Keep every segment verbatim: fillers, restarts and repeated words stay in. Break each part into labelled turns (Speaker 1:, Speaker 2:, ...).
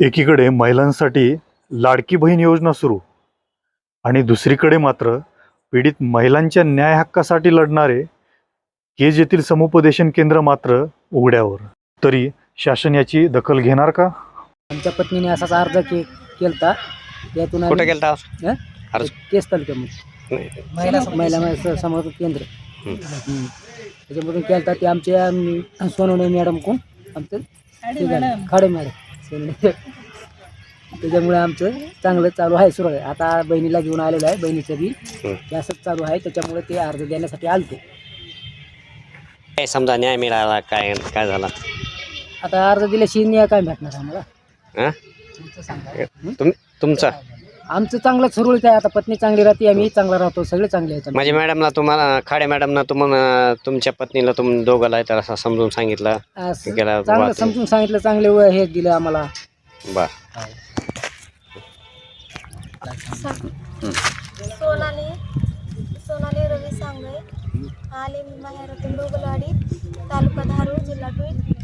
Speaker 1: एकीकडे महिलांसाठी लाडकी बहीण योजना सुरू आणि दुसरीकडे मात्र पीडित महिलांच्या न्याय हक्कासाठी लढणारे केज येथील समुपदेशन केंद्र मात्र उघड्यावर. तरी शासन याची दखल घेणार का?
Speaker 2: आमच्या पत्नीने असाच अर्ज के केलता. त्यातून
Speaker 3: कुठे गेलता
Speaker 2: हं?
Speaker 3: अर्ज?
Speaker 2: केस तालुक्यामध्ये महिला महिला महिला समर्थन केंद्र हं. त्याच्यामधून केलता. ते आमच्या अं, सोनवणे मॅडम कोण आमचं खाडे मॅडम सोनवणे. त्याच्यामुळे आमचं चांगलं चालू आहे, सुरू आहे. आता बहिणीला घेऊन आलेलं आहे, बहिणीचं बी ते असंच चालू आहे. त्याच्यामुळे ते अर्ज देण्यासाठी आलतो.
Speaker 3: काय समजा न्याय मिळाला, काय काय झाला?
Speaker 2: आता अर्ज दिल्याशिवाय न्याय काय भेटणार आम्हाला?
Speaker 3: हां
Speaker 2: तुमचं सांगा.
Speaker 3: तुम्ही तुमचा
Speaker 2: आमचं चांगलं सुरळीत आहे. आता पत्नी चांगली राहते, आम्ही चांगला राहतो, सगळे चांगले आहेत.
Speaker 3: माझ्या मॅडमला तुम्हाला खाडे मॅडमना तुम्हाला तुमच्या पत्नीला तुम दोघाला आहे तर असं समजून सांगितलं
Speaker 2: असं
Speaker 3: गेला
Speaker 2: चांगलं
Speaker 3: वाद.
Speaker 2: समजून सांगितलं, चांगले व हे दिलं आम्हाला.
Speaker 3: बर
Speaker 4: सोनाली सोनाली रवी सांगळे, आले मी माहेरातून डोगलवाडी, तालुका धारूर, जिल्हा बीड.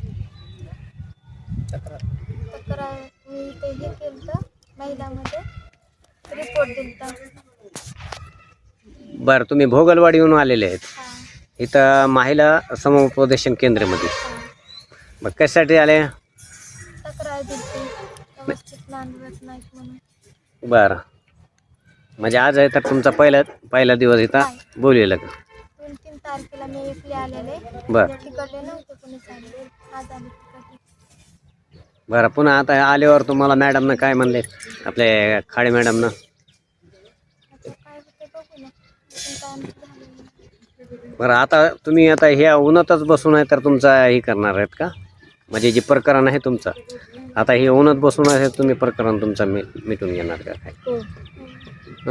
Speaker 4: तक्रार मी ते हे केलं महिलामध्ये रिपोर्ट दिलता.
Speaker 3: बर तुम्ही भोगलवाडी येऊन आलेले आहेत
Speaker 4: हां
Speaker 3: इथं महिला समुपदेशन केंद्रामध्ये.
Speaker 4: हां
Speaker 3: मग कशासाठी आले?
Speaker 4: तक्रार दिलती व्यवस्थित नांदवत नाहीत म्हणून.
Speaker 3: बरं म्हणजे आज आहे तर तुमचा पहिला पहिला दिवस इथं बोललेलं का?
Speaker 4: दोन तीन तारखेला मी एकले आलेले,
Speaker 3: बरं
Speaker 4: तिकडले नव्हते कोणी चांगले, आज आले तिकडले.
Speaker 3: बरं पुन्हा आता आल्यावर तुम्हाला मॅडमनं काय म्हणले, आपले खाडे मॅडमनं?
Speaker 4: आता काय होते बघू ना, पण काय आमचं झालं नाही.
Speaker 3: बरं आता तुम्ही आता ह्या उन्हातच बसून आहे तर तुमचा हे करणार आहेत का? म्हणजे जे प्रकरण आहे तुमचं आता हे उन्हात बसून आहे, तुम्ही प्रकरण तुमचं मी मिटून घेणार का काय?
Speaker 4: हो.
Speaker 3: हं?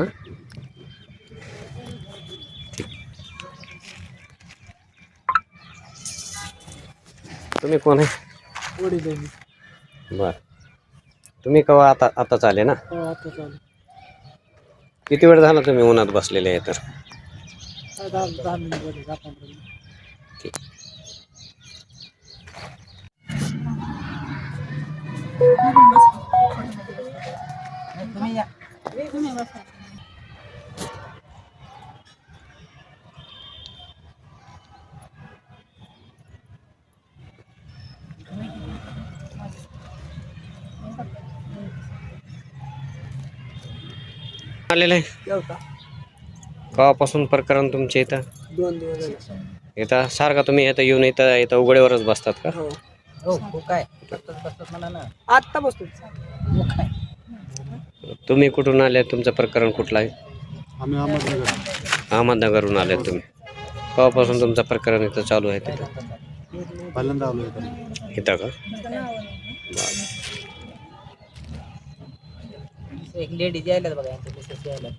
Speaker 3: तुम्ही कोण आहे?
Speaker 2: वडील बहिणी.
Speaker 3: बर तुम्ही केव्हा आता आताच आले ना?
Speaker 2: हो, आता चालू.
Speaker 3: किती वेळ झाला तुम्ही उन्हात बसलेले आहे तर?
Speaker 2: दहा दहा मिनिट झाले, दहा पंधरा मिनिट.
Speaker 3: ठीक.
Speaker 2: तुम्ही या. तुम्ही बसा.
Speaker 3: आलेलं आहे
Speaker 2: जेवता.
Speaker 3: केव्हापासून प्रकरण तुमचे इथं?
Speaker 2: दोन दिवस झाले.
Speaker 3: इथं सारखं तुम्ही इथं येऊन इथं इथं उघड्यावरच बसतात का?
Speaker 2: हो हो हो काय बसतात मला ना, आत्ता बसतो. मग काय
Speaker 3: तुम्ही कुठून आले? तुमचं प्रकरण कुठलं आहे?
Speaker 5: आम्ही अहमदनगर
Speaker 3: अहमदनगरहून आले तुम्ही. केव्हापासून तुमचं प्रकरण इथं चालू आहे तिथं?
Speaker 5: पहिल्यांदा आलो इथं.
Speaker 3: इथं का?
Speaker 2: एक लेडीज यायला बघा, यांच्या मिसेस यायला.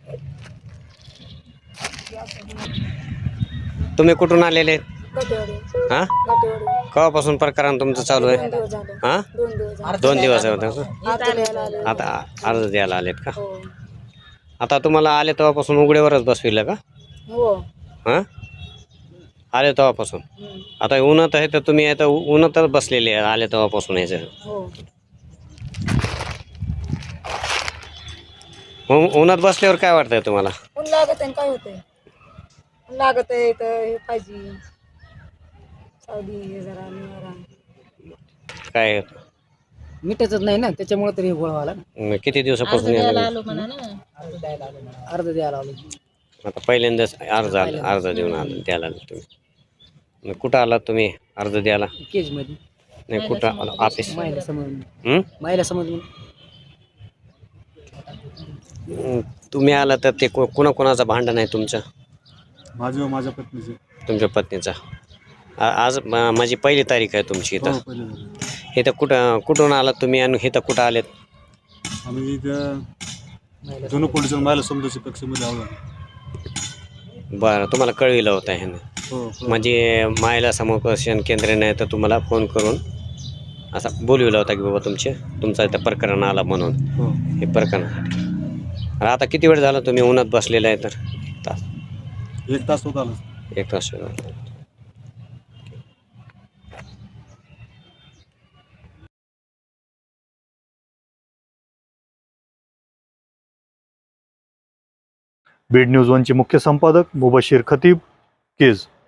Speaker 3: तुम्ही कुठून आलेले?
Speaker 4: गटेवाडी
Speaker 3: हां
Speaker 4: गटेवाडी
Speaker 3: केव्हापासून प्रकरण तुमचं चालू आहे?
Speaker 4: दोन दिवस झाले.
Speaker 3: हां
Speaker 4: दोन दिवस झाले.
Speaker 3: दोन दिवस होते
Speaker 4: आज द्यायला आले.
Speaker 3: आता अर्ज द्यायला आलेत का?
Speaker 4: हो
Speaker 3: आता तुम्हाला आले तेव्हापासून उघड्यावरच बसविलं का?
Speaker 4: हो.
Speaker 3: हां आले तेव्हापासून.
Speaker 4: हम्म.
Speaker 3: आता उन्हात आहे तर तुम्ही आता उन्हातच बसलेले आहे आले तेव्हापासून याचं.
Speaker 4: हो
Speaker 3: उ- उन्हात बसल्यावर काय वाटतंय तुम्हाला?
Speaker 4: ऊन लागत आहे, काय होतंय? ऊन लागत आहे तर हे पाहिजे सावली हे जरा निवारा.
Speaker 3: काय
Speaker 2: मिटतच नाही ना, त्याच्यामुळे तरी गोळ व्हायला ना.
Speaker 3: म, किती दिवसापासून यायला?
Speaker 2: अर्ज द्यायला आलो अर्ज द्यायला आलो.
Speaker 3: आता पहिल्यांदाच अर्ज आला अर्ज देऊन आला द्यायला आले तुम्ही. मग कुठं आलात तुम्ही अर्ज द्यायला?
Speaker 2: केज मध्ये
Speaker 3: नाही कुठं आला? ऑफिस?
Speaker 2: महिला समोर
Speaker 3: हं?
Speaker 2: महिला समोर
Speaker 3: हं, तुम्ही आला तर ते को कोणा कोणाचं भांडण आहे तुमचं?
Speaker 5: माझे व माझ्या पत्नीचे.
Speaker 3: तुमच्या पत्नीचा? आ- आज म- माझी पहिली तारीख आहे तुमची
Speaker 5: हो
Speaker 3: इथं.
Speaker 5: पहिले झाले.
Speaker 3: इथं कुठं कुठून आलात तुम्ही आणि इथं कुठं आलेत?
Speaker 5: आम्ही इथं जुनं पोलिस महिला समुदाय कक्षेमध्ये आलो.
Speaker 3: बरं तुम्हाला कळविलं होतं ह्यानं?
Speaker 5: हो हो.
Speaker 3: म्हणजे महिला समुपदेशन केंद्राने तर तुम्हाला फोन करून असा बोलविला होता की बाबा तुमचे तुमचं इथं प्रकरण आला म्हणून
Speaker 5: हो.
Speaker 3: हे प्रकरण. आता किती वेळ झाला तुम्ही उन्हात बसलेला आहे तर? तास
Speaker 5: एक तास होत आला.
Speaker 3: एक तास झाला.
Speaker 1: बीड न्यूज वनचे मुख्य संपादक मुबशीर खतीब, केज.